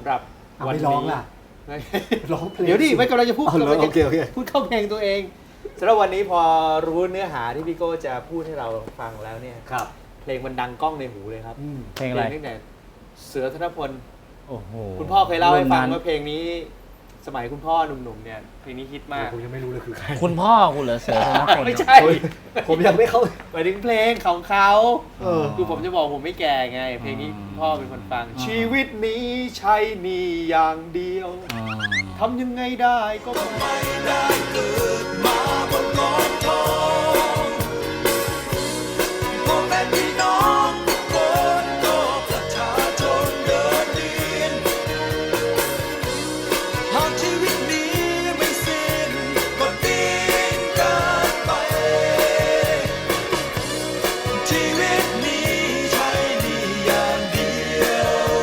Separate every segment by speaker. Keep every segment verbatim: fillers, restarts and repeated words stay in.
Speaker 1: ำหรับวันนี้
Speaker 2: ไม่ร้องล่ะร้องเพลง
Speaker 1: เดี๋ยวดิไม่กำลังจะพูด
Speaker 2: โอเคโอเค
Speaker 1: พูดเข้าเพลงตัวเองสำหรับวันนี้พอรู้เนื้อหาที่พี่โก้จะพูดให้เราฟังแล้วเนี่ย
Speaker 2: ครับ
Speaker 1: เพลงมันดังก้องในหูเลยครับ
Speaker 3: เพลงอะไร
Speaker 1: ตั้งแต่เสือธนพล
Speaker 3: โอ้โห
Speaker 1: คุณพ่อเคยเล่าให้ฟัง
Speaker 3: รุ่นนั้น
Speaker 1: ว่าเพลงนี้สมัยคุณพ่อหนุ่มๆเนี่ยเพลงนี้ฮิตมาก
Speaker 2: ผมยังไม่รู้เลยคือใคร
Speaker 3: คุณพ่อคุณเหรอเสือธนพล
Speaker 1: ไม่ใช่
Speaker 2: ผมยังไม่เข้า
Speaker 1: หมายถึงเพลงของเขา
Speaker 2: เออ
Speaker 1: คือผมจะบอกผมไม่แก่ไง เพลงนี้
Speaker 3: อืม
Speaker 1: คุณพ่อเป็นคนฟัง
Speaker 3: อ่า
Speaker 1: ชีวิตนี้ใช่หนี่อย่างเดียว
Speaker 3: อ๋อ
Speaker 1: ทำยังไงได้ก็ไม่ได้เกิดมาบนกองทองพ่อแม่พี่น้องทุกคนก็ประชาชนเดินดินหากชีวิตนี้ไม่สิ้นก็ดิ้นกันไปชีวิตนี้ใช่หนี่อย่างเดียว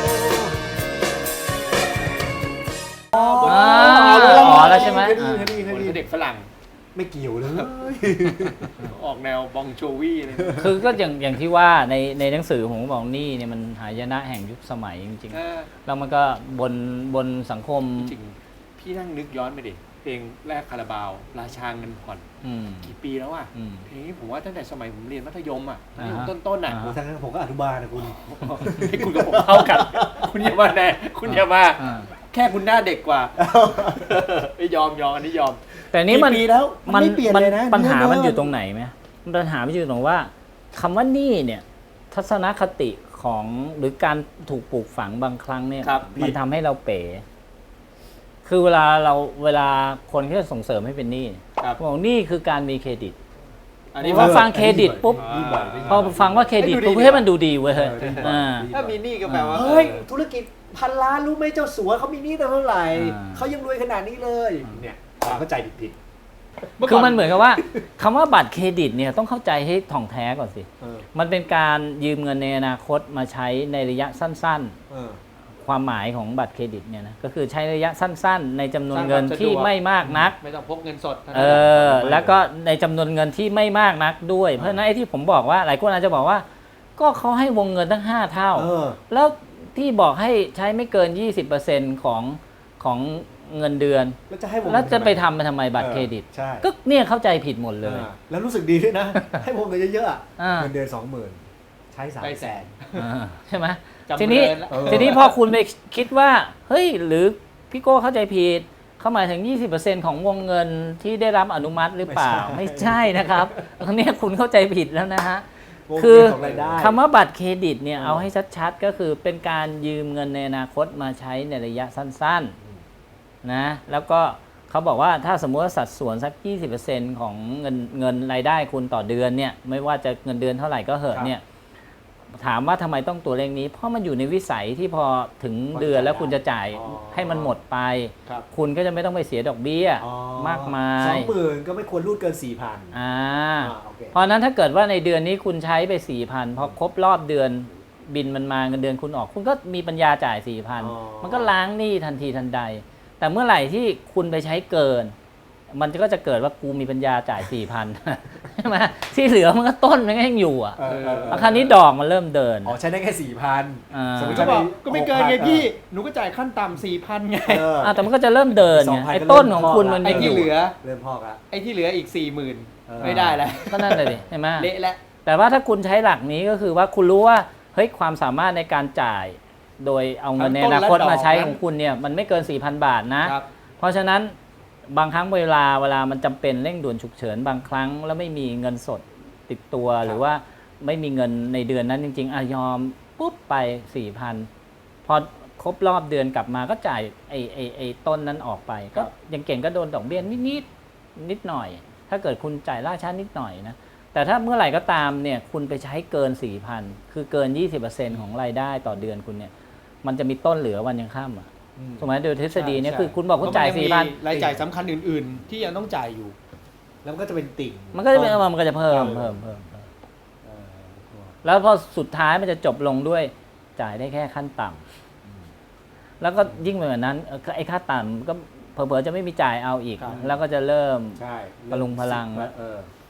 Speaker 3: อ๋ออ๋อแล้วใช่ไหม
Speaker 2: เคยได้
Speaker 3: อ่า
Speaker 2: ยินเคยได้ยินเค
Speaker 1: ค
Speaker 2: ย
Speaker 1: น
Speaker 2: ได้ยิ
Speaker 1: คือน เด็กฝรั่ง
Speaker 2: ไม่เกี่ยวเลย
Speaker 1: ออกแนวบองโจวี่เลย
Speaker 3: คือก็อย่างอย่างที่ว่าในในหนังสือผมก็บอกนี่เนี่ยมันหายนะแห่งยุคสมัยจริง
Speaker 1: เออ
Speaker 3: ๆแล้วมันก็บนบนสังคม
Speaker 1: จริงๆพี่นั่งนึกย้อนไปดิเพลงแรกคาราบาว ราชาเงินผ่อน
Speaker 3: อืม
Speaker 1: กี่ปีแล้วอ่ะ
Speaker 3: อืม
Speaker 1: เพลงนี้ผมว่าตั้งแต่สมัยผมเรียนมัธยมอ่ะ
Speaker 3: อ่าฮะ
Speaker 1: ต้นๆอ่ะ
Speaker 3: อ่า
Speaker 2: โอ้ทั้งนั้นผมก็อนุบาลนะคุณ
Speaker 1: ให้คุณกับผมเท่ากัน คุณอย่ามาแน่คุณอย่ามา
Speaker 3: อ่า
Speaker 1: แค่คุณหน้าเด็กกว่าไม่ยอมยอมอันนี้ยอม
Speaker 3: แต่นี้มัน
Speaker 2: กี่ปีแล้วมันไม่เปลี่ยนเลยนะ
Speaker 3: ปัญหามัน
Speaker 2: เนื้อ
Speaker 3: อยู่ตรงไหนไหมปัญหามันอยู่ตรงว่าคำว่านี่เนี่ยทัศนคติของหรือการถูกปลูกฝังบางครั้งเนี่ย
Speaker 1: ครับ
Speaker 3: มันทำให้เราเป๋ คือเวลาเราเวลาคนที่จะส่งเสริมให้เป็นหนี้
Speaker 1: ครับ
Speaker 3: บอกนี่คือการมีเครดิต
Speaker 1: อันนี้
Speaker 3: พอฟังเครดิตปุ๊บ
Speaker 2: นี่บ่อยนี่
Speaker 3: พ
Speaker 2: บ่
Speaker 3: อ
Speaker 2: อย
Speaker 3: ฟังว่าเครดิต
Speaker 1: ให้ดูดี
Speaker 3: ปุ๊บให้มันดูดีเว้ย
Speaker 2: เออดีกว่า
Speaker 3: อ่า
Speaker 2: ดีกว่
Speaker 1: ถ้ามีหนี้ก็แปลว่า
Speaker 2: เฮ้ย
Speaker 1: ออ
Speaker 2: ธุรกิจพันล้านรู้ไหมเจ้าสัวเขามีหนี้ตั้งเท่าไหร่
Speaker 3: อ่า
Speaker 2: เขายังรวยขนาดนี้เลยเนี่ยความเข้าใจผิด
Speaker 3: คือมันเหมือนกับว่าคำว่าบัตรเครดิตเนี่ยต้องเข้าใจให้ถ่องแท้ก่อนสิ
Speaker 2: ๆเออ
Speaker 3: มันเป็นการยืมเงินในอนาคตมาใช้ในระยะสั้น
Speaker 2: เออ
Speaker 3: ๆ ความหมายของบัตรเครดิตเนี่ยนะก็คือใช้ระยะสั้น ๆ ในจำนวนเงิน
Speaker 1: สร้างความสะดวก
Speaker 3: ที่ไม่มากนัก
Speaker 1: ไม่ต้องพกเงินสดท่านั้น
Speaker 3: เออแล้วก็ในจำนวนเงินที่ไม่มากนักด้วย เพราะฉะนั้นไอ้ที่ผมบอกว่าหลายคนอาจจะบอกว่า ก็เขาให้วงเงินตั้งห้าเท่า
Speaker 2: เออ
Speaker 3: แล้วที่บอกให้ใช้ไม่เกิน ยี่สิบเปอร์เซ็นต์ ของของเงินเดือน
Speaker 2: แล้วจะให้วงเงิน
Speaker 3: แล้วจะไป
Speaker 2: ทำ
Speaker 3: ทำไปทำไมบัตรเครดิต
Speaker 2: ใช่
Speaker 3: ก็เนี่ยเข้าใจผิดหมดเลย
Speaker 2: อ่าแล้วรู้สึกดีด้วยนะ ให้วงเงินเยอะๆอะ
Speaker 3: อ่า
Speaker 2: เงินเดือนสองหมื่นใช้สาม
Speaker 1: ได้
Speaker 2: แส
Speaker 1: แส
Speaker 2: น
Speaker 1: น
Speaker 3: อ่าใช่ไหม
Speaker 1: จำ
Speaker 3: ทีนี้
Speaker 1: เริญละ
Speaker 2: เออ
Speaker 3: ทีนี้พอคุณไปคิดว่าเฮ้ยหรือพี่โก้เข้าใจผิดเขาหมายถึง ยี่สิบเปอร์เซ็นต์ ของวงเงินที่ได้รับอนุมัติหรือเปล่า ไม่ใช่นะครับอันนี้คุณเข้าใจผิดแล้วนะฮะ
Speaker 2: วง
Speaker 3: คื
Speaker 2: เงิ
Speaker 3: อน
Speaker 2: ของรายได้
Speaker 3: คำว่าบัตรเครดิตเนี่ย
Speaker 2: เออ
Speaker 3: เอาให้ชัดๆ ก็คือเป็นการยืมเงินในอนาคตมาใช้ในระยะสั้นๆนะแล้วก็เขาบอกว่าถ้าสมมติว่าสัดส่วนสัก ยี่สิบเปอร์เซ็นต์ ของเงินเงินรายได้คุณต่อเดือนเนี่ยไม่ว่าจะเงินเดือนเท่าไหร่ก็เหอะเนี่ยถามว่าทำไมต้องตัวเลขนี้ เพราะมันอยู่ในวิสัยที่พอถึงเดือนแล้วคุณจะจ่าย
Speaker 2: อ๋อ
Speaker 3: ให้มันหมดไป
Speaker 1: ครับ
Speaker 3: คุณก็จะไม่ต้องไปเสียดอกเบี้ย
Speaker 2: อ๋อ
Speaker 3: มากมา
Speaker 2: สอย งหมื่นก็ไม่ควรรูดเกินสี่พัน
Speaker 3: อ่า
Speaker 2: โอเค
Speaker 3: เพราะฉะนั้นถ้าเกิดว่าในเดือนนี้คุณใช้ไป สี่พัน พอครบรอบเดือนบินมันมาเงินเดือนคุณออก คุณก็มีปัญญาจ่าย สี่พัน
Speaker 2: อ๋อ
Speaker 3: มันก็ล้างหนี้ทันทีทันใด แต่เมื่อไหร่ที่คุณไปใช้เกิน มันก็จะเกิดว่ากูมีปัญญาจ่าย สี่พัน ใช่ไหมที่เหลือมันก็ต้นมันก็ยังอยู่อ่ะ
Speaker 2: เออเออเออ
Speaker 3: คราวนี้ดอกมันเริ่มเดิน
Speaker 2: อ๋อใช้ได้แค่สี่พัน
Speaker 3: อ่า
Speaker 2: สมมุติ
Speaker 1: ก็บอก
Speaker 2: ใช้
Speaker 1: ก็ไม่เกินไง
Speaker 2: หกพัน
Speaker 1: พี่ หนูก็จ่ายขั้นต่ำสี่พันไง
Speaker 2: เออ
Speaker 3: อ่าแต่มันก็จะเริ่มเดิน
Speaker 2: สอ
Speaker 3: ไง
Speaker 2: งพัน
Speaker 3: ไอ้
Speaker 2: ก็
Speaker 3: ต้น
Speaker 2: เริ่ม
Speaker 3: ของคุณ
Speaker 2: พอละ
Speaker 3: มัน
Speaker 1: ไอ้
Speaker 3: ยังอ
Speaker 1: ที่
Speaker 3: ยู่
Speaker 1: เหลือ
Speaker 2: เริ่มพอกละ
Speaker 1: ไอ้ที่เหลืออีกสี่หมื่น
Speaker 2: เออ
Speaker 1: ไม่ได้แล้ว
Speaker 3: ก็นั่นเลยดิใช่ไหม
Speaker 1: เละแล้ว
Speaker 3: แต่ว่าถ้าคุณใช้หลักนี้ก็คือว่าคุณรู้ว่าเฮ้ยความสามารถในการจ่าย โดยเอาเงินในอนาคตมาใช้ของคุณเนี่ยมันไม่เกิน สี่พัน บาทนะ
Speaker 1: ครับ
Speaker 3: เพราะฉะนั้นบางครั้งเวลาเวลามันจำเป็นเร่งด่วนฉุกเฉินบางครั้งแล้วไม่มีเงินสดติดตัวหรือว่าไม่มีเงินในเดือนนั้นจริงๆอะยอมปุ๊บไป สี่พัน พอครบรอบเดือนกลับมาก็จ่ายไอ้ไอ้ไอ้ต้นนั้นออกไป ก็ยังเก่งก็โดนดอกเบี้ยนิดนิดนิดหน่อย ถ้าเกิดคุณจ่ายล่าช้านิดหน่อยนะแต่ถ้าเมื่อไหร่ก็ตามเนี่ยคุณไปใช้เกิน สี่พัน คือเกิน ยี่สิบเปอร์เซ็นต์ ของรายได้ต่อเดือนคุณเนี่ยมันจะมีต้นเหลือวันยังค่ำอ่ะถูกไหมโดยทฤษฎีเนี่ยคือคุณบอกคุณจ่าย สี่พัน
Speaker 1: รายจ่ายสำคัญอื่นๆ ที่ยังต้องจ่ายอยู่
Speaker 2: แล้วมันก็จะเป็นติ่ง
Speaker 3: มันก็จะเป็น
Speaker 2: ต้
Speaker 3: มันก็จะเพิ่ม
Speaker 2: เออ
Speaker 3: เพิ่มเพิ่มเพิ่ม
Speaker 2: เออ
Speaker 3: แล้วพอสุดท้ายมันจะจบลงด้วยจ่ายได้แค่ขั้นต่ำแล้วก็ยิ่งไปกว่านั้นเอ่อไอ้ค่าต่ำก็เผลอๆจะไม่มีจ่ายเอาอีก
Speaker 1: ครับ
Speaker 3: แล้วก็จะเริ่ม
Speaker 2: ใช่
Speaker 3: พลุงพลังแล้ว
Speaker 2: เออ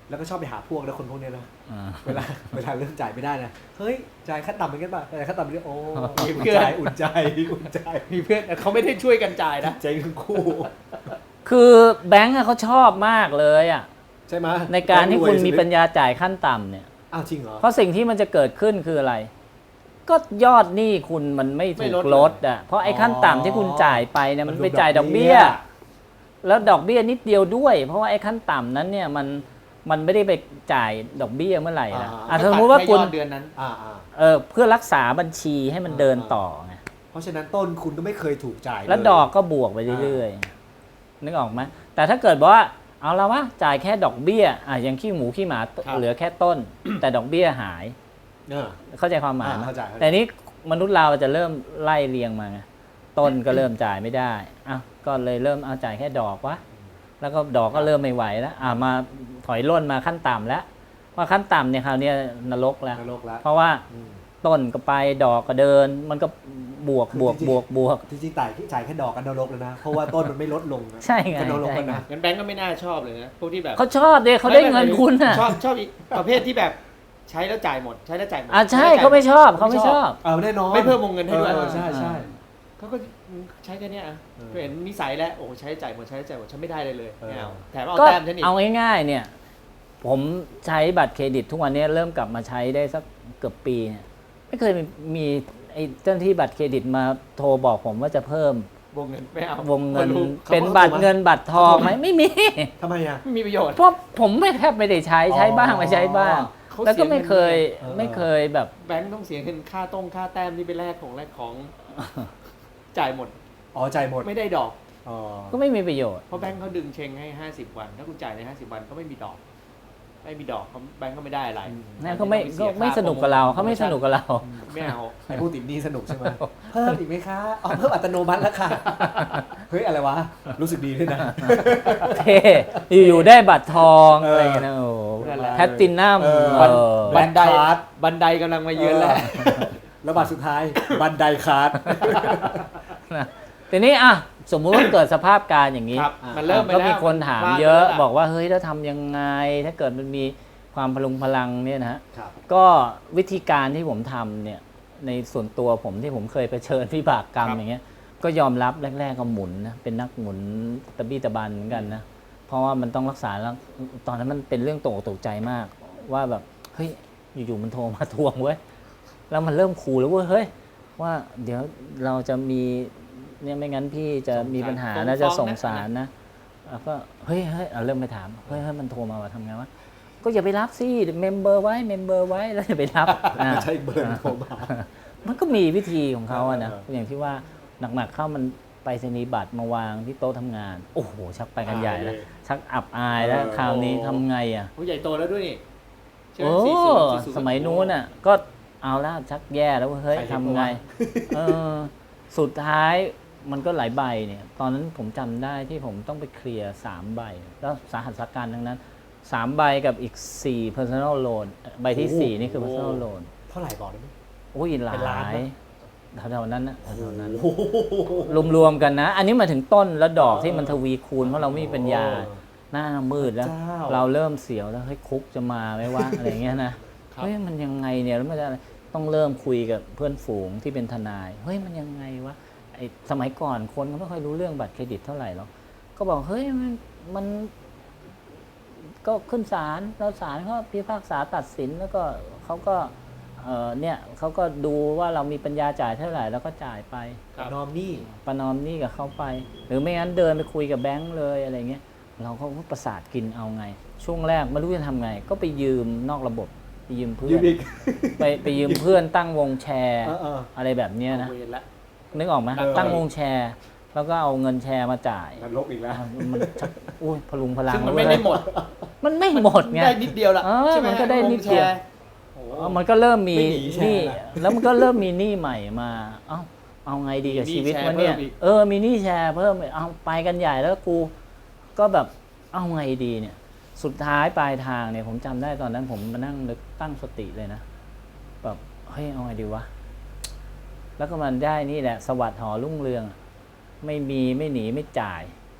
Speaker 2: แล้วก็ชอบไปหาพวกแล้วคนพวกเนี้ยนะ
Speaker 3: อ่า
Speaker 2: เวลาเวลาเริ่มจ่ายไม่ได้นะเฮ้ยจ่ายขั้นต่ำเหมือนกันป่ะจ่ายขั้นต่ำเหมือนกันโอ้
Speaker 1: มี
Speaker 2: อุ่น
Speaker 1: เพื่อน
Speaker 2: ใจอุ่นใจอุ่นใจ
Speaker 1: มีเพื่อนแต่เขาไม่ได้ช่วยกันจ่ายนะ
Speaker 2: ใจทั้งคู่
Speaker 3: คือแบงก์อะเขาชอบมากเลยอ่ะ
Speaker 2: ใช่ไหม
Speaker 3: ในการที่คุณมีปัญญาจ่ายขั้นต่ำเนี่ย
Speaker 2: อ้าวจริงเหรอ
Speaker 3: เพราะสิ่งที่มันจะเกิดขึ้นคืออะไร ก็ยอดหนี้คุณมันไม่ถูกลดอ่ะเพราะไอ้ขั้นต่ำที่คุณจ่ายไปเนี่ยมันไปจ่ายดอกเบี้ย แล้วดอกเบี้ยนิดเดียวด้วย เพราะว่าไอ้ขั้นต่ำนั้นเนี่ยมันมันไม่ได้ไปจ่ายดอกเบี้ยเมื่อไหร่นะอ่ะสมมติว่าคุณ
Speaker 1: แค่ยอดเดือนนั้น
Speaker 2: อ่าอ่า
Speaker 3: เออเพื่อรักษาบัญชีให้มันเดินต่อไง
Speaker 2: เพราะฉะนั้นต้นคุณก็ไม่เคยถูกจ่ายเย
Speaker 3: แล้วดอกก็บวกไปเรื่อยๆนึกออกไหมแต่ถ้าเกิดว่าเอาละวะจ่ายแค่ดอกเบี้ยอ่ะอย่างขี้หมูขี้หมาเหลือแค่ต้น แต่ดอกเบี้ยหาย
Speaker 2: เออ
Speaker 3: เข้าใจความหมายไหม
Speaker 2: อ่าเข้าใจเข้าใจ
Speaker 3: แต่นี้มนุษย์เราจะเริ่มไล่เรียงมาไงต้นก็เริ่มจ่ายไม่ได้อ่ะก็เลยเริ่มเอาจ่ายแค่ดอกวะแล้วก็ดอกก็เริ่มไม่ไหวแล้วอ่ะมาถอยร่นมาขั้นต่ำแล้วว่าขั้นต่ำเนี่ยคราวนี้นรกแล้ว
Speaker 2: นรกแล้ว
Speaker 3: เพราะว่า
Speaker 2: อืม
Speaker 3: ต้นก็ไปดอกก็เดิน มันก็บวกบวกบวกบวก
Speaker 2: จริงๆจ่ายจ่ายแค่ดอกกันนรกแล้วนะ เพราะว่าต้นมันไม่ลดลงนะ
Speaker 3: ใช่ไง
Speaker 2: ก็นรก
Speaker 3: ใช่
Speaker 2: แล้ว
Speaker 3: ไง
Speaker 2: นะ
Speaker 1: งั้นแบงก์ก็ไม่น่าชอบเลยนะพวกที่แบบ
Speaker 3: เขาชอบเด็เขาได้เงินคุณอ่ะ
Speaker 1: ชอบชอบอีกประเภทที่แบบใช้แล้วจ่ายหมด ใช้แล้วจ่ายหมด
Speaker 3: อ่ะใช่
Speaker 1: ช้แล้วจ่ย
Speaker 3: เขาไม่ชอบเขาไม่ชอบ
Speaker 2: เออแน่นอน
Speaker 1: ไม่เพิ่มวงเงินให้ด้วย
Speaker 2: ออใช่ใช่
Speaker 1: เขาก็ใช้แค่เนี้ยอ่ะ
Speaker 2: เออ
Speaker 1: ก็เห็นนิสัยแล้วโอ้ใช้จ่ายหมดใช้จ่ายหมดฉันไม่ได้เลยเลย
Speaker 2: เออ
Speaker 1: ไม่เอาแถมเอา
Speaker 3: ก็
Speaker 1: แต้มฉันอีก
Speaker 3: เอาง่ายๆเนี่ย ผมใช้บัตรเครดิตทุกวันนี้เริ่มกลับมาใช้ได้สักเกือบปีเนี่ยไม่เคยมีมีไอ้เจ้าหน้าที่บัตรเครดิตมาโทรบอกผมว่าจะเพิ่ม
Speaker 1: วงเงินไม่เอา
Speaker 3: วงเงิน
Speaker 1: ไม่รู้
Speaker 3: เป็นบัตรเงินบัตรทองไหมไม่มี
Speaker 2: ทำไมอ่ะ
Speaker 1: ไม่มีประโยชน์
Speaker 3: เพราะผมไม่แทบไม่ได้ใช้ใช้บ้างไม่ใช้บ้าง
Speaker 1: เขา
Speaker 3: แล้วก็ไม่เคย
Speaker 2: เออ
Speaker 3: ไม่เคยแบบ
Speaker 1: แบงก์ต้องเสียเงินค่าต้งค่าแต้มที่ไปแลกของแลกของ จ่ายหมด
Speaker 2: อ๋อจ่ายหมด
Speaker 1: ไม่ได้ดอก
Speaker 2: อ๋อ
Speaker 3: ก็ไม่มีประโยชน์
Speaker 1: เพราะแบงก์เขาดึงเชงให้ห้าสิบวัน ถ้าคุณจ่ายในห้าสิบวันก็ไม่มีดอก ไม่มีดอกเขาแบงก์ก็ไม่ได้อะไร
Speaker 3: นั่นเขาไม่ก็ไม่สนุกกับเราเขาไม่สนุกกับเรา
Speaker 1: ไม่เอา
Speaker 2: ไอ้ผู้ติดหนี้สนุกใช่ไหมเพิ่มอีกไหมคะอ๋อเพิ่มอัตโนมัติแล้วค่ะ เฮ้ยอะไรวะ รู้สึกดีด้วยนะ
Speaker 3: เท่อยู่ๆได้บัตรทอง
Speaker 2: เอออ
Speaker 3: อะไรอย่างเงี้ยนะโอ้โห
Speaker 1: นั่นแหละ
Speaker 3: แพตตินัม
Speaker 2: เออ
Speaker 3: เออ
Speaker 2: แบ
Speaker 1: บั
Speaker 2: ง
Speaker 1: น
Speaker 2: ค์
Speaker 1: ได
Speaker 2: คาร์ด
Speaker 1: บันไดกำลังมาเยือนแล้ว
Speaker 2: แล้วบัตรสุดท้าย บันไดคาร์ด
Speaker 3: นะทีนี้อ่ะสมมุติว่าเกิดสภาพการอย่างนี้
Speaker 1: ครับ มันเริ่มไป
Speaker 3: ก็
Speaker 1: แล้ว
Speaker 3: มีคนถาม
Speaker 1: พลด
Speaker 3: เยอะ
Speaker 1: ไปแล้ว
Speaker 3: บอกว่าเฮ้ยแล้วทำยังไง ถ้าเกิดมันมีความพลุงพลังเนี่ยนะฮะ
Speaker 2: ครับ
Speaker 3: ก็วิธีการที่ผมทำเนี่ยในส่วนตัวผมที่ผมเคยเผชิญวิบากกรรม
Speaker 1: ครับ
Speaker 3: อย่างเงี้ยก็ยอมรับแรกๆก็หมุนนะเป็นนักหมุนตะบี้ตะบันเหมือนกันนะเพราะว่ามันต้องรักษาแล้วตอนนั้นมันเป็นเรื่องตกอกตกใจมาก ว่าแบบเฮ้ยอยู่ๆมันโทรมาทวงเว้ยแล้วมันเริ่มขู่แล้วเว้ยเฮ้ยว่าเดี๋ยวเราจะมีเนี่ยไม่งั้นพี่จะมีปัญหานะจะส่งสารนะแล้วก็เฮ้ยเฮ้ยเอาเริ่มไปถามเฮ้ยเฮ้ยมันโทรมาว่าทำไงวะก็อย่าไปรับสิเมมเบอร์ไว้เมมเบอร์ไว้แล้วอย่าไปรับอ่า
Speaker 2: ไม่ใช่เบอร์โทรมา
Speaker 3: มันก็มีวิธีของเขาอะนะ
Speaker 2: เออ
Speaker 3: อย่างที่ว่าหนักๆเข้ามันไปสนีย์บัตรมาวางที่โต๊ะทำงาน โอ้โห ชักไปกันใหญ่แล้ว ชักอับอายแล้ว
Speaker 2: เออ
Speaker 3: คราวนี้ทำไงอะ
Speaker 1: โอ้ใหญ่โตแล้วด้วยนี่ใช่ไหม
Speaker 3: โอ้
Speaker 1: สี่สิบสี่สิบ
Speaker 3: สมัยนู้นอะก็เอาแล้วชักแย่แล้วเฮ้ย
Speaker 1: ใครจะ
Speaker 3: ทำไง เออ สุดท้ายมันก็หลายใบเนี่ย ตอนนั้นผมจำได้ที่ผมต้องไปเคลียร์สามใบ แล้วสาหัสสาการทั้งนั้นสามใบกับอีกสี่ personal loan ใบที่สี่นี่คือ personal loan
Speaker 2: เท่าไหร่บอกได้ไหม
Speaker 3: โอ้ยหลา
Speaker 2: เป็นล้าน
Speaker 3: ย
Speaker 2: ไหม
Speaker 3: แถวๆนั้นนะแถวๆนั้น
Speaker 2: โอ้โห
Speaker 3: รวมๆกันนะ อันนี้มาถึงต้นแล้วดอกที่มันทวีคูณเพราะเราไม่มีปัญญา หน้ามืดแล้ว
Speaker 2: เจ้า
Speaker 3: เราเริ่มเสียวแล้วเฮ้ยคุกจะมาไหมวะ อะไรเงี้ยนะเฮ้ยมันยังไงเนี่ยแล้วมันจะต้องเริ่มคุยกับเพื่อนฝูงที่เป็นทนายเฮ้ยมันยังไงวะไอสมัยก่อนคนก็ไม่ค่อยรู้เรื่องบัตรเครดิตเท่าไหร่หรอกก็บอกเฮ้ยมันมันก็ขึ้นศาลแล้วศาลเขาพิพากษาตัดสินแล้วก็เขาก็เออเนี่ยเขาก็ดูว่าเรามีปัญญาจ่ายเท่าไหร่แล้วก็จ่ายไป
Speaker 1: ครับ
Speaker 2: นอมนี่
Speaker 3: ประนอมหนี้กับเขาไป หรือไม่งั้นเดินไปคุยกับแบงค์เลยอะไรเงี้ยเราก็ประสาทกินเอาไง ช่วงแรกไม่รู้จะทำไง ก็ไปยืมนอกระบบไปยืมเพื่
Speaker 2: ยื
Speaker 3: อ
Speaker 2: ม
Speaker 3: น
Speaker 2: อีก
Speaker 3: ไปไปยืมเพื่อนตั้งวงแชร์
Speaker 2: เออเออ
Speaker 3: อะไรแบบเนี้ยนะ
Speaker 1: เอาเวรละ
Speaker 3: นึกออกไหม
Speaker 2: เออ
Speaker 3: ตั้งวงแชร์ แล้วก็เอาเงินแชร์มาจ่าย
Speaker 2: นรกอีกแล้ว
Speaker 3: มันชักอุ้ยพลุงพลัง
Speaker 1: ซึ่งมันไม่ได้หมด
Speaker 3: มันไม่หมดไง
Speaker 1: ได้นิดเดียวละ
Speaker 3: เออ
Speaker 1: ใช่ไหม
Speaker 3: มันก็ได้นิดเดียว
Speaker 1: วงแชร์โอ้โห
Speaker 3: เออมันก็เริ่มมี
Speaker 2: ไม่หนีแชร์
Speaker 3: หนี้
Speaker 2: นะ
Speaker 3: แล้วมันก็เริ่มมีหนี้ใหม่มา เอ้าเอาไงดีกับ
Speaker 1: มีหนี้
Speaker 3: ชีวิต
Speaker 1: แชร์
Speaker 3: มันเนี่ย
Speaker 1: เพิ่มอีก
Speaker 3: เออมีหนี้แชร์เพิ่มอีกเอาไปกันใหญ่แล้วกูก็แบบเอาไงดีเนี่ย สุดท้ายปลายทางเนี่ยผมจำได้ตอนนั้นผมมานั่งนึกตั้งสติเลยนะแบบเฮ้ยเอาไงดีวะแล้วก็มันได้นี่แหละสวัสดิ์หอรุ่งเรืองอะไม่มีไม่หนีไม่จ่าย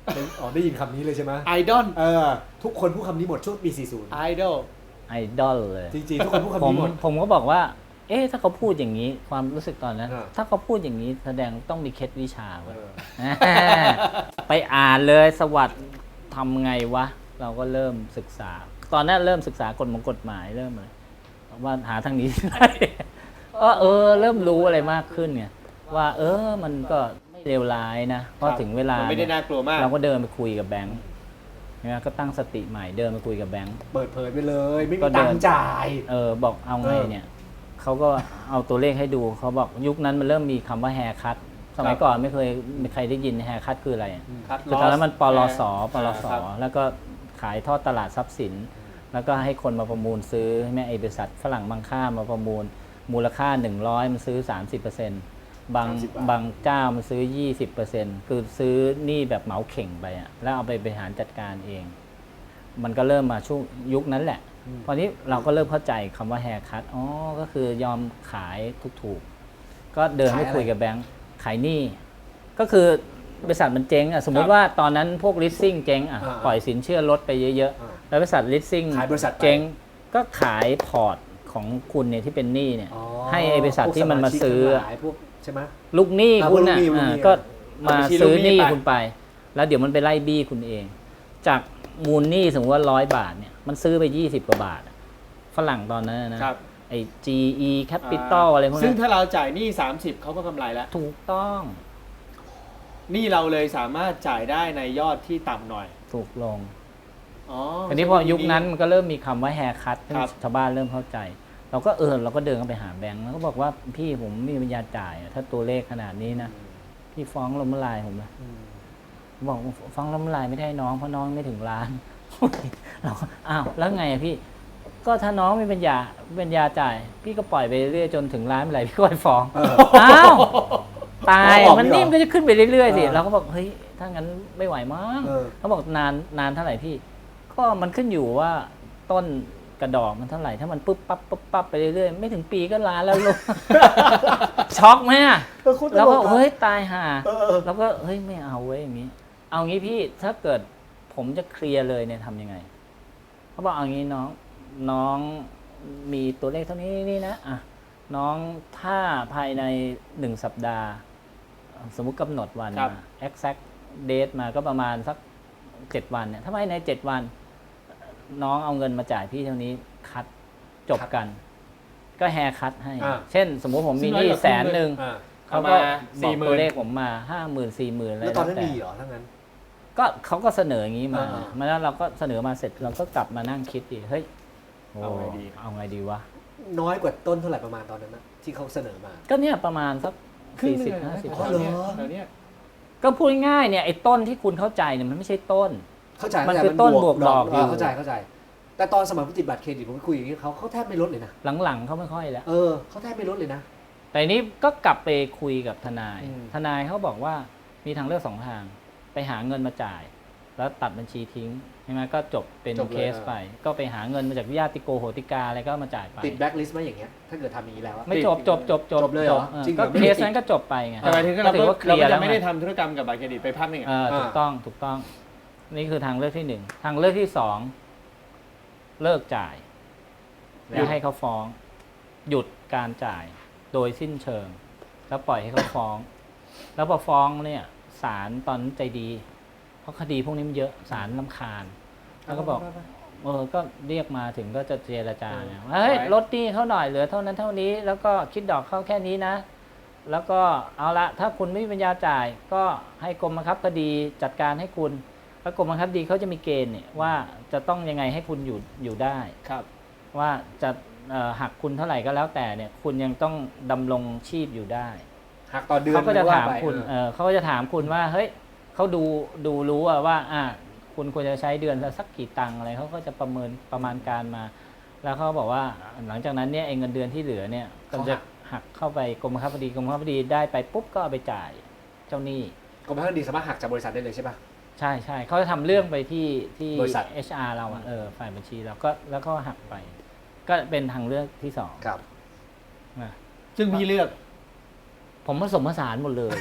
Speaker 2: ได้อ๋อได้ยินคำนี้เลยใช่ไหม
Speaker 1: ไอดอล
Speaker 2: เออทุกคนพูดคำนี้หมดช่วงปีสี่สิบ
Speaker 1: ไอดอล
Speaker 3: ไอดอลเลย
Speaker 2: จริงๆทุกคนพูด
Speaker 3: ผ
Speaker 2: คำ
Speaker 3: ม
Speaker 2: นี้หมด
Speaker 3: ผมก็บอกว่า เอ๊ะถ้าเขาพูดอย่างนี้ความรู้สึกตอนนั้น
Speaker 2: อ่า
Speaker 3: ถ้าเขาพูดอย่างนี้แสดงต้องมีเคล็ดวิชา
Speaker 2: เอ
Speaker 3: ไว้
Speaker 2: อ
Speaker 3: ไปอ่านเลยสวัสดิ์ทำไงวะ เราก็เริ่มศึกษา ตอนนั้นเริ่มศึกษากฎหมายกฎหมายเริ่มเลยว่าหาทางนี้ ได้ก็เออ เริ่มรู้อะไรมากขึ้นไงว่าเออมันก็ไม่เลวร้ายนะเพราะถึงเวลา
Speaker 1: มันไม่ได้น่ากลัวมาก
Speaker 3: เราก็เดินไปคุยกับแบงค์นะก็ตั้งสติใหม่เดินไปคุยกับแบงค์
Speaker 2: เปิดเผยไปเลย ไม่
Speaker 3: ก็
Speaker 2: มี
Speaker 3: เดิ
Speaker 2: ตั
Speaker 3: น
Speaker 2: งค์จ่าย
Speaker 3: เออบอกเอาไงเนี่ยเขาก็เอาตัวเลขให้ดูเขาบอกยุคนั้นมันเริ่มมีคำว่าแฮร์คัตสมัยก่อนไม่เคยไม่ใครได้ยินแฮร์คัตคืออะไร
Speaker 1: คัด
Speaker 3: คือตอนนั้นมันปลสปลส
Speaker 1: ครับ
Speaker 3: แล้วก็ขายทอดตลาดทรัพย์สิน แล้วก็ให้คนมาประมูลซื้อให้แม่ไอบริษัทฝรั่งบางค่ามาประมูลมูลค่าหนึ่งร้อยมันซื้อ สามสิบเปอร์เซ็นต์ บาง
Speaker 2: สามสิบบาท
Speaker 3: บางเจ้ามันซื้อ ยี่สิบเปอร์เซ็นต์ คือซื้อหนี้แบบเหมาเข่งไปอะแล้วเอาไปบริหารจัดการเอง มันก็เริ่มมาช่วงยุคนั้นแหละตอนนี้เราก็เริ่มเข้าใจคำว่าแฮร์คัตอ๋อก็คือยอมขายถูกๆก็เดินไปคุยกับแบงค์ขายหนี้ก็คือบริษัทมันเจ๊งอ่ะสมมุติว่าตอนนั้นพวกลิสซิ่งเจ๊งอ่ะ
Speaker 2: อ่า
Speaker 3: ปล่อยสินเชื่อลดไปเยอะ
Speaker 2: อ่า
Speaker 3: ๆแล้วบริษัทลิสซิ่ง
Speaker 2: ขายบริษัทไป
Speaker 3: เจ๊งก็ขายพอร์ตของคุณเนี่ยที่เป็นหนี้เนี่ย
Speaker 2: อ๋อ
Speaker 3: ให้ไอ้บริษัทที่มันมาซื้อ
Speaker 2: พวกสชิกทั้งหลายพวกใช่ไหม
Speaker 3: ลูกหนี้
Speaker 2: อ่า
Speaker 3: คุณ
Speaker 2: ลูก
Speaker 3: อ่ะ
Speaker 2: หนี้ลูกหนี้
Speaker 3: อ่าก็มา
Speaker 1: เอาบัญชี
Speaker 3: ซื้อ
Speaker 1: ลูกห
Speaker 3: ห
Speaker 1: นี้
Speaker 3: นี้
Speaker 1: ไป
Speaker 3: คุณไป แล้วเดี๋ยวมันไปไล่บี้คุณเอง จากมูลหนี้สมมติว่าร้อยบาทเนี่ยมันซื้อไปยี่สิบกว่าบาทอะฝรั่งตอนนั้นนะ
Speaker 1: ครับ
Speaker 3: ไอ้ จี อี Capital อะไรพวก
Speaker 1: ซึ่ง
Speaker 3: นั้น
Speaker 1: ถ้าเราจ่ายหนี้สามสิบเขาก็กำไรแล้ว
Speaker 3: ถูกต้อง
Speaker 1: หนี้เราเลยสามารถจ่ายได้ในยอดที่ต่ำหน่อย
Speaker 3: ถูกลง
Speaker 1: อ๋อ
Speaker 3: ทีนี้พอยุคนั้นมันก็เริ่มมีคำว่าแฮร์คัต
Speaker 1: ครับ
Speaker 3: ชาวบ้านเริ่มเข้าใจ เราก็เออเราก็เดินเข้าไปหาแบงค์แล้วก็บอกว่าพี่ผมไม่มีปัญญาจ่ายอะถ้าตัวเลขขนาดนี้นะพี่ฟ้องล้มละลายผมนะ
Speaker 2: อืม
Speaker 3: บอกฟ้องล้มละลายไม่ได้น้องเพราะน้องไม่ถึงล้าน เราก็อ้าวแล้วไงอะพี่ ก็ถ้าน้องไม่เป็นยาเป็นยาจ่าย พี่ก็ปล่อยไปเรื่อยจนถึงล้านเมื่อไหร่พี่ก็ไปฟ้อง
Speaker 2: เออ
Speaker 3: อ้าวตาย
Speaker 2: เอาออก
Speaker 3: มัน
Speaker 2: ดีกว่า
Speaker 3: นี่มันก็จะขึ้นไปเรื่อยๆสิ
Speaker 2: เออ
Speaker 3: เราก็บอกเฮ้ยถ้างั้นไม่ไหวมั้ง
Speaker 2: เออ
Speaker 3: เขาบอกนานนานเท่าไหร่พี่ ก็มันขึ้นอยู่ว่าต้นกระดอกมันเท่าไหร่ถ้ามันปุ๊บปั๊บปุ๊บปั๊บไปเรื่อยๆไม่ถึงปีก็ล้านแล้วลูก ช็อกไหมอะ
Speaker 2: เออคุณต
Speaker 3: แล้ว
Speaker 2: ล
Speaker 3: ก็
Speaker 2: กอะ
Speaker 3: เฮ้ยตายห่า
Speaker 2: เออเออ
Speaker 3: แล้วก็เฮ้ยไม่เอาเว้ยอย่างนี้ เอางี้พี่ถ้าเกิดผมจะเคลียร์เลยเนี่ยทำยังไงเขาบอกเอางี้น้องน้องมีตัวเลขเท่านี้นี่นะอ่ะน้องถ้าภายในหนึ่งสัปดาห์ สมมุติกำหนดวัน
Speaker 1: ครับ
Speaker 3: มา exact date มาก็ประมาณสักเจ็ดวันเนี่ยถ้าภายในเจ็ดวัน น้องเอาเงินมาจ่ายพี่เท่านี้คัดจบกัน ก็แฮร์คัดให้
Speaker 2: อ่า
Speaker 3: เช่น สมมุติผมมีหนี้แสนหนึ่ง
Speaker 2: อ่า
Speaker 3: เขาก็
Speaker 1: เอามา
Speaker 3: บอก
Speaker 1: สี่หมื่น
Speaker 3: ตัวเลขผมมาห้าหมื่นสี่หมื่นอะไร
Speaker 2: แล้วตอนนั้น
Speaker 3: แต่
Speaker 2: มีเหรอทั้งนั้น
Speaker 3: ก็เขาก็เสนออย่างนี้มา
Speaker 2: อ่า
Speaker 3: มาแล้วเราก็เสนอมาเสร็จเราก็กลับมานั่งคิดดิเฮ้ยโ
Speaker 1: เอาไงดี
Speaker 3: เอาไงดีวะ
Speaker 2: น้อยกว่าต้นเท่าไหร่ประมาณตอนนั้นนะที่เขาเสนอมา
Speaker 3: ก็เนี่ยประมาณสักสี่สิบห้าสิบ
Speaker 2: อ๋อเหรอ
Speaker 1: เดี๋ยวนี้
Speaker 3: ก็พูดง่ายๆเนี่ยไอ้ต้นที่คุณเข้าใจเนี่ยมันไม่ใช่ต้น
Speaker 2: เข้าใจ
Speaker 3: มัน
Speaker 2: เข้าใจ
Speaker 3: คือต้นบวกดอกอยู่
Speaker 2: เเข้าใจเข้าใจ แต่ตอนสมัยผมติดบัตรเครดิตผมไปคุยอย่างนี้เขาเขาแทบไม่ลดเลยนะ
Speaker 3: หลังๆเขาไม่ค่อยแล้ว
Speaker 2: เออเขาแทบไม่ลดเลยนะ
Speaker 3: แต่นี้ก็กลับไปคุยกับทนาย
Speaker 2: อืม
Speaker 3: ทนายเขาบอกว่ามีทางเลือกสองทาง ไปหาเงินมาจ่าย แล้วตัดบัญชีทิ้งใช่ไหมก็จบเป็นเคสไป ก็ไปหาเงินมาจากญาติโกโหติกาอะไรก็มาจ่ายไป
Speaker 2: ติดแบ็คลิสต์ไหมอย่างเงี้ยถ้าเกิดทำอย่างนี้แล้วอะ
Speaker 3: ไม่จบจบจบจบ
Speaker 2: จบเลยเหรอ
Speaker 3: ออ
Speaker 2: จริงเหร
Speaker 3: ก็
Speaker 2: อไม่
Speaker 3: เค
Speaker 2: ได้
Speaker 3: สนั้นก็จบไปไง
Speaker 1: แต่หมายถึง
Speaker 3: ก็
Speaker 1: เรา
Speaker 3: ถื
Speaker 1: ก็
Speaker 3: อว่าเค
Speaker 1: เรา
Speaker 3: ลีย
Speaker 1: ก็
Speaker 3: ร์แล้
Speaker 1: จะ
Speaker 3: ว
Speaker 1: ไม่ได้
Speaker 3: ไง
Speaker 1: ทำธุรกรรมกับบัตรเครดิตไปพักหนึ่ง
Speaker 3: เอ
Speaker 1: อ่ะ
Speaker 3: อถูกต้องถูกต้อง นี่คือทางเลือกที่หนึ่งทางเลือกที่สองเลิกจ่าย แล้วให้เขาฟ้อง หยุดการจ่ายโดยสิ้นเชิง แล้วปล่อยให้เขาฟ้อง แล้วพอฟ้องเนี่ยศาลตอนนั้นใจดี เพราะคดีพวกนี้มันเยอะศาลรำคาญ แล้วก็บอกเออก็เรียกมาถึงก็จะเจรจาเนี่ยว่าเฮ้ยลดหนี้เขาหน่อยเหลือเท่านั้นเท่านี้ แล้วก็คิดดอกเข้าแค่นี้นะ แล้วก็เอาละถ้าคุณไม่มีปัญญาจ่าย ก็ให้กรมบังคับคดีจัดการให้คุณ แล้วกรมบังคับคดีเขาจะมีเกณฑ์เนี่ยว่าจะต้องยังไงให้คุณอยู่อยู่ได้
Speaker 1: ครับ
Speaker 3: ว่าจะเอ่อหักคุณเท่าไหร่ก็แล้วแต่เนี่ย คุณยังต้องดำรงชีพอยู่ได้
Speaker 2: หักต่อเดือน
Speaker 3: เขาก็จะ
Speaker 2: หรือว่
Speaker 3: ถาม
Speaker 2: ไป
Speaker 3: คุณ
Speaker 2: เอ
Speaker 3: เอ
Speaker 2: อ
Speaker 3: อเขาก็จะถามคุณว่าเฮ้ยเขาดูดูรู้อะว่าอ่ะคุณควรจะใช้เดือนละสักกี่ตังค์อะไรเขาก็จะประเมินประมาณการมา แล้วเขาบอกว่าหลังจากนั้นเนี่ยไอ้เงินเดือนที่เหลือเนี่ยก็จะหักเข้าไปกรมบังคับคดีกรมบังคับคดีได้ไปปุ๊บก็เอาไปจ่ายเจ้าหนี้
Speaker 2: กรมบังคับคดีสามารถหักจากบริษัทได้เลยใช่ป่ะ
Speaker 3: ใช่ใช่เขาจะทำเรื่องไปที่ที่
Speaker 2: บริษัท
Speaker 3: เอช อาร์ เราอะเออฝ่ายบัญชีเราก็แล้วก็หักไป ก็เป็นทางเลือกที่สอง
Speaker 2: ครับ
Speaker 3: นะ
Speaker 1: ซึ่งพี่เลือก
Speaker 3: ผมผสมผสานหมดเลย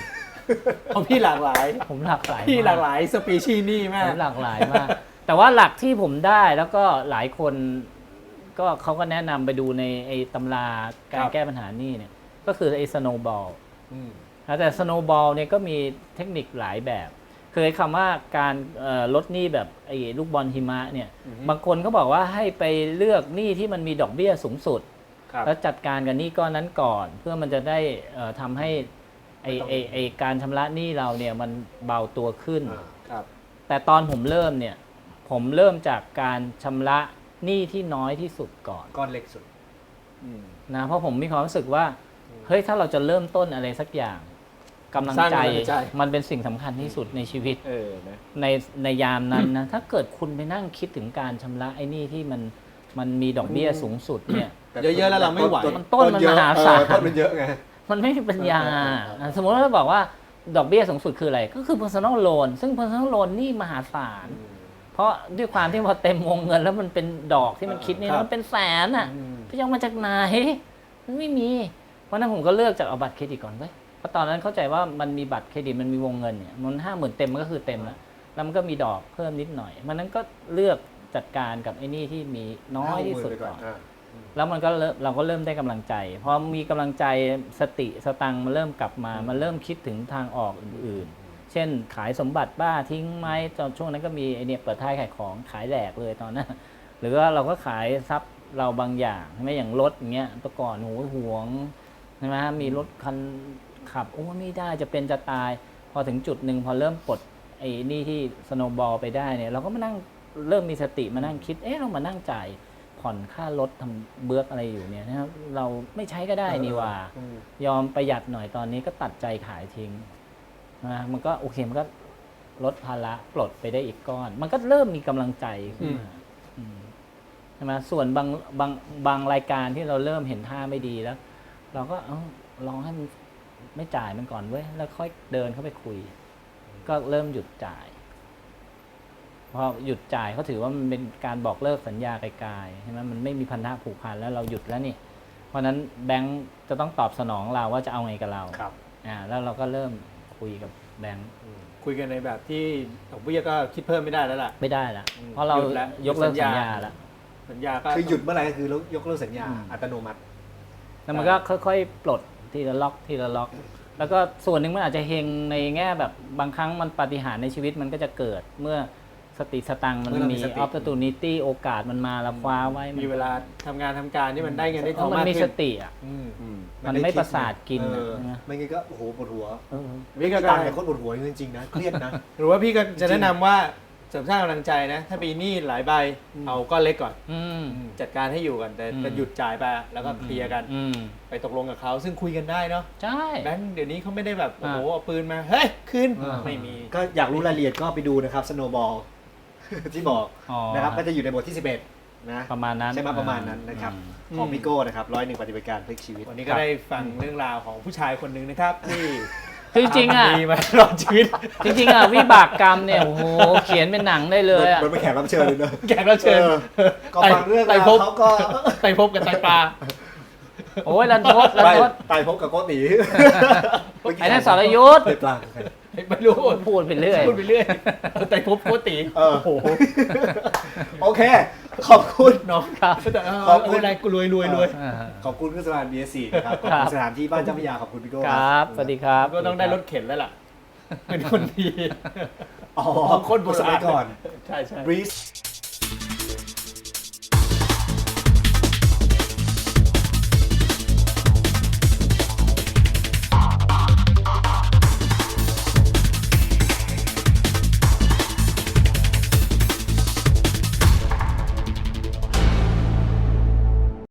Speaker 2: เอาพี่หลากหลาย
Speaker 3: ผมหลากหลาย
Speaker 2: พี่หลาก
Speaker 3: ม
Speaker 2: หลายสปีชีส์นี่มาก
Speaker 3: ผมหลากหลายมาก แต่ว่าหลักที่ผมได้แล้วก็หลายคนก็เขาก็แนะนำไปดูในไอ้ตำราการ
Speaker 2: ครับ
Speaker 3: แก้ปัญหานี่เนี่ยก็คือไอ้สโนว์บอล
Speaker 2: อืม
Speaker 3: แต่สโนว์บอลเนี่ยก็มีเทคนิคหลายแบบเคยคำว่าการเอ่อลดหนี้แบบไอ้ลูกบอลหิมะเนี่ย
Speaker 2: อือฮึ
Speaker 3: บางคนเขาบอกว่าให้ไปเลือกหนี้ที่มันมีดอกเบี้ยสูงสุด
Speaker 2: ครับ
Speaker 3: แล้วจัดการกับหนี้ก้อนนั้นก่อน เพื่อมันจะได้เอ่อทำให้ไอ้ไอ้ไอ้การชำระหนี้เราเนี่ยมันเบาตัวขึ้น
Speaker 1: อ่า
Speaker 2: ครับ
Speaker 3: แต่ตอนผมเริ่มเนี่ยผมเริ่มจากการชำระหนี้ที่น้อยที่สุดก่อน
Speaker 1: ก้อนเล็กสุด
Speaker 2: อืม
Speaker 3: นะเพราะผมมีความรู้สึกว่าเฮ้ยถ้าเราจะเริ่มต้นอะไรสักอย่างกำลัง
Speaker 2: สร้าง
Speaker 3: ใจ
Speaker 2: กำลังใจ
Speaker 3: มันเป็นสิ่งสำคัญที่สุดในชีวิต
Speaker 2: เออนะ
Speaker 3: ในในยามนั้นนะ ถ้าเกิดคุณไปนั่งคิดถึงการชำระไอ้หนี้ที่มันมันมีดอกเบี้ยสูงสุดเนี่ย
Speaker 2: เยอะๆแล้วเราไม่ไหว
Speaker 3: มันต้นมันมหาศาล
Speaker 1: เออต้นมันเยอะไง
Speaker 3: มันไม่มีปัญญา
Speaker 1: เออเออเออ
Speaker 3: สมมติว่าเราบอกว่าดอกเบี้ยสูงสุดคืออะไร ก็คือ personal loan ซึ่ง personal loan นี่มหาศาล เพราะด้วยความที่พอเต็มวงเงินแล้วมันเป็นดอกที่มันคิดนี่
Speaker 2: ครับ
Speaker 3: มันเป็นแสนอ่ะ
Speaker 2: อืม
Speaker 3: พี่จะเอามาจากไหนมันไม่มี เพราะฉะนั้นผมก็เลือกจากเอาบัตรเครดิตก่อนเว้ยเพราะตอนนั้นเข้าใจว่ามันมีบัตรเครดิตมันมีวงเงินเนี่ยมันห้าหมื่นเต็มมันก็คือเต็มแล้วแล้วมันก็มีดอกเพิ่มนิดหน่อยมันนั้นก็เลือกจัดการกับไอ้นี่ที่มีน้อยที่สุดก่อน
Speaker 1: อ่า
Speaker 3: แล้วมันก็เริ่มเราก็เริ่มได้กำลังใจพอมีกำลังใจสติสตังค์มันเริ่มกลับมา มันเริ่มคิดถึงทางออกอื่นๆ เช่นขายสมบัติบ้าทิ้งไหมตอนช่วงนั้นก็มีไอเนี่ยเปิดท้ายขายของขายแหลกเลยตอนนั้น หรือว่าเราก็ขายทรัพย์เราบางอย่างใช่ไหมอย่างรถอย่างเงี้ยแต่ก่อนโหหวงใช่ไหมมีรถคันขับโอ้ไม่ได้จะเป็นจะตาย พอถึงจุดหนึ่งพอเริ่มปลดไอ้นี่ที่สโนว์บอลไปได้เนี่ยเราก็มานั่งเริ่มมีสติมานั่งคิดเอ๊ะเรามานั่งจ่ายผ่อนค่ารถทำเบื้อกอะไรอยู่เนี่ยนะครับเราไม่ใช้ก็ได้นี่หว่า
Speaker 1: อืม
Speaker 3: ยอมประหยัดหน่อยตอนนี้ก็ตัดใจขายทิ้งนะมันก็โอเคมันก็ลดภาระปลดไปได้อีกก้อน มันก็เริ่มมีกำลังใจขึ้นมาอืมใช่ไหมส่วนบางบางบางรายการที่เราเริ่มเห็นท่าไม่ดีแล้ว เราก็เอ้าลองให้มันไม่จ่ายมันก่อนเว้ยแล้วค่อยเดินเข้าไปคุย ก็เริ่มหยุดจ่ายพอหยุดจ่ายเขาถือว่ามันเป็นการบอกเลิกสัญญาไกลๆใช่ไหมมันไม่มีพันธะผูกพันแล้วเราหยุดแล้วนี่ เพราะฉะนั้นแบงก์จะต้องตอบสนองเราว่าจะเอาไงกับเรา
Speaker 2: ครับ
Speaker 3: อ่าแล้วเราก็เริ่มคุยกับแบงก์
Speaker 2: คุยกันในแบบที่ดอกเบี้ยก็คิดเพิ่มไม่ได้แล้วล่ะ
Speaker 3: ไม่ได้ละ
Speaker 2: อืม
Speaker 3: เพราะเรา
Speaker 2: หยุดแล้ว
Speaker 3: ยกเลิก
Speaker 2: หยุดสั
Speaker 3: สั
Speaker 2: ญ
Speaker 3: ญ
Speaker 2: ญา
Speaker 3: ญาแล้ว
Speaker 2: สัญญาก็
Speaker 1: คือหยุดเมื่อไหร่ก็คือยกเลิกสัญญา
Speaker 3: อืม
Speaker 1: อัตโนมัติ
Speaker 3: แล้วมันก็ค่อยๆ ปลดทีละล็อกทีละล็อก แล้วก็ส่วนหนึ่งมันอาจจะเฮงในแง่แบบบางครั้งมันปาฏิหาริย์ในชีวิตมันก็จะเกิดเมื่อสติสตังค์มัน
Speaker 1: เมื่อเรามี
Speaker 3: มี
Speaker 1: สติ
Speaker 3: opportunity โอกาสมันมาเราคว้าไว้น
Speaker 2: มีเวลาทำงานทำการที่มันได้เงินได้ทอง
Speaker 3: มัน
Speaker 2: มาก
Speaker 3: มี
Speaker 2: ขึ้
Speaker 3: ส
Speaker 2: น
Speaker 3: ติอ่ะ
Speaker 2: อืม
Speaker 1: อื
Speaker 3: มันไม่ประสาทกิน
Speaker 1: เออ
Speaker 3: ใช่ไหม
Speaker 1: ไม่งั้นก็โอ้โหปวดหัว
Speaker 3: เออ
Speaker 2: วิ
Speaker 1: ก็
Speaker 2: ธี
Speaker 1: ตา
Speaker 2: การ
Speaker 1: มเป็นคนปวดหัวจริงๆนะเครียดนะ
Speaker 2: หรือว่าพี่ก็จะแนะนำว่าเสริมสร้างกำลังใจนะ ถ้าปีหนี้หลายใบ
Speaker 1: อืม
Speaker 2: เอาก้อนเล็กก่อน
Speaker 3: อืม
Speaker 2: จัดการให้อยู่ก่อนแต่
Speaker 3: อืม
Speaker 2: แต่หยุดจ่ายไปแล้วก็เคลียร์กัน
Speaker 3: อืม
Speaker 2: ไปตกลงกับเขาซึ่งคุยกันได้เนาะ
Speaker 3: ใช่
Speaker 2: แบงค์เดี๋ยวนี้เขาไม่ได้แบบโอ้โห
Speaker 3: อ่า
Speaker 2: เอาปืนมาเฮ้ยคืน
Speaker 1: อ่า
Speaker 2: ไม่มี
Speaker 1: ก็อยากรู้รายละเอียดก็ไปดูนะครับ Snowball ที่บอก
Speaker 3: อ๋อ
Speaker 1: นะครับก็จะอยู่ในบทที่สิบเอ็ดนะ
Speaker 3: ประมาณนั้น
Speaker 1: ใช่ไหมประมาณนั้นนะครับ
Speaker 3: อืม
Speaker 1: ของพี่โก้นะครับร้อยหนึ่งปฏิบัติการพลิกชีวิต
Speaker 2: วันนี้ก็ได้ฟังเรื่องราวของผู้ชายคนหนึ่งนะครับ ที่
Speaker 3: คือจริงๆอ่ะ
Speaker 2: ทำดีมาตลอดชีวิต
Speaker 3: จริงๆอ่ะวิบากกรรมเนี่ยโอ้โหเขียนเป็นหนังได้เลยอ่ะ
Speaker 1: มันเป็นแขกรับเชิญเลยเนอะ
Speaker 2: แขกรับเชิญ
Speaker 1: ออก็ฟังเรื่อง
Speaker 2: ไต่
Speaker 1: ราว
Speaker 2: ภพ
Speaker 1: เขาก็
Speaker 2: ไต่ภพกับไตปลา
Speaker 3: โอ้ยรันทดรัน
Speaker 1: ไป
Speaker 3: ทด
Speaker 1: ไต่พบกับโกติ
Speaker 3: ไอ้นั่นสรยุทธ
Speaker 1: ไต่ปลาใคร
Speaker 2: ไม่รู้
Speaker 3: พูดไปเรื่อย
Speaker 2: พูดไปเรื่อยไต่ภพโคตรตี
Speaker 1: เออ
Speaker 2: โอ้โห
Speaker 1: โอเค ขอบคุณ
Speaker 2: น้อง
Speaker 3: ครับ
Speaker 2: แต่เออ
Speaker 1: ขอบคุณ
Speaker 2: อะไรกูรวยรวยรวย
Speaker 3: อ่า
Speaker 1: ขอบคุณเครื่องสำอาง บี เอส ซี นะครับ ขอบ
Speaker 3: ครั
Speaker 1: คุณ
Speaker 3: บ
Speaker 1: สถานที่บ้านเจ้าพระยา ขอบคุณพี่โก้
Speaker 3: ครับ สวัสดีครับ
Speaker 2: ก็ต้องได้รถเข็นแล้วล่ะ เป็นคนดี
Speaker 1: อ๋อ
Speaker 2: คนโบราณ
Speaker 1: สมัยก่อน
Speaker 2: ใช่ใช่
Speaker 1: Breeze